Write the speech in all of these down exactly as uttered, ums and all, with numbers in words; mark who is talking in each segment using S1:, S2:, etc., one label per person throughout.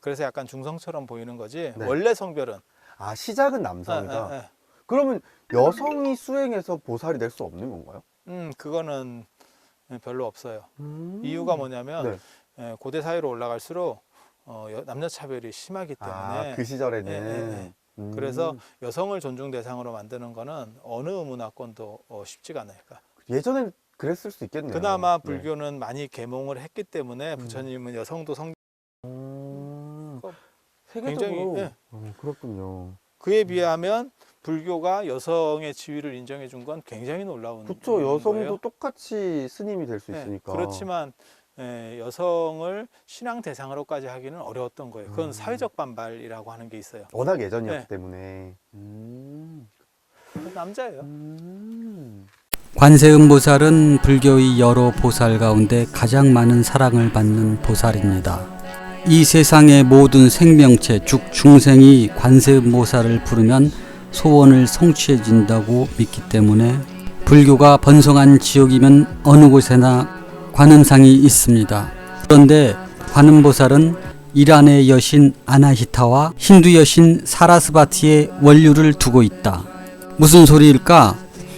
S1: 그래서 약간 중성처럼 보이는 거지.
S2: 네.
S1: 원래 성별은.
S2: 아, 시작은 남성이다.
S1: 예, 예, 예.
S2: 그러면 여성이 수행해서 보살이 될 수 없는 건가요?
S1: 음, 그거는 별로 없어요.
S2: 음.
S1: 이유가 뭐냐면
S2: 네.
S1: 예, 고대 사회로 올라갈수록 어, 여- 남녀 차별이 심하기 때문에.
S2: 아, 그 시절에는.
S1: 예, 예, 예.
S2: 음.
S1: 그래서 여성을 존중 대상으로 만드는 거는 어느 문화권도 어, 쉽지가 않아요. 그러니까
S2: 예전엔 그랬을 수 있겠네요.
S1: 그나마
S2: 네.
S1: 불교는 많이 계몽을 했기 때문에 부처님은 여성도 성
S2: 음.
S1: 어,
S2: 세계적으로.
S1: 굉장히, 예.
S2: 어, 그렇군요.
S1: 그에 비하면 불교가 여성의 지위를 인정해 준 건 굉장히 놀라운
S2: 그쵸. 여성도
S1: 거예요.
S2: 똑같이 스님이 될 수
S1: 네,
S2: 있으니까.
S1: 그렇지만 예, 여성을 신앙 대상으로까지 하기는 어려웠던 거예요. 그건
S2: 음.
S1: 사회적 반발이라고 하는 게 있어요.
S2: 워낙 예전이었기
S1: 네.
S2: 때문에. 음.
S1: 남자예요.
S2: 음.
S3: 관세음보살은 불교의 여러 보살 가운데 가장 많은 사랑을 받는 보살입니다. 이 세상의 모든 생명체, 즉 중생이 관세음보살을 부르면 소원을 성취해진다고 믿기 때문에 불교가 번성한 지역이면 어느 곳에나 관음상이 있습니다. 그런데 관음보살은 이란의 여신 아나히타와 힌두 여신 사라스바티의 원류를 두고 있다. 무슨 소리일까?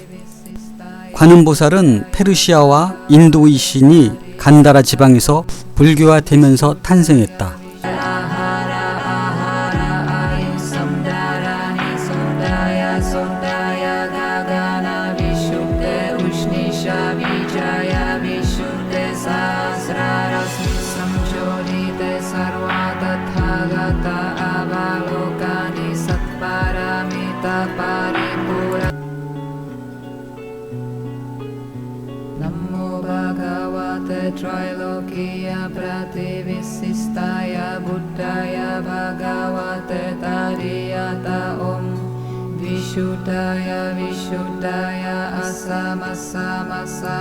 S3: 관음보살은 페르시아와 인도의 신이 간다라 지방에서 불교화되면서 탄생했다.
S4: Namo Bhagavate Trailokiya Prativissistaya Buddhaya Bhagavate Tariyata Om Vishuddhaya Vishuddhaya Asamassamasa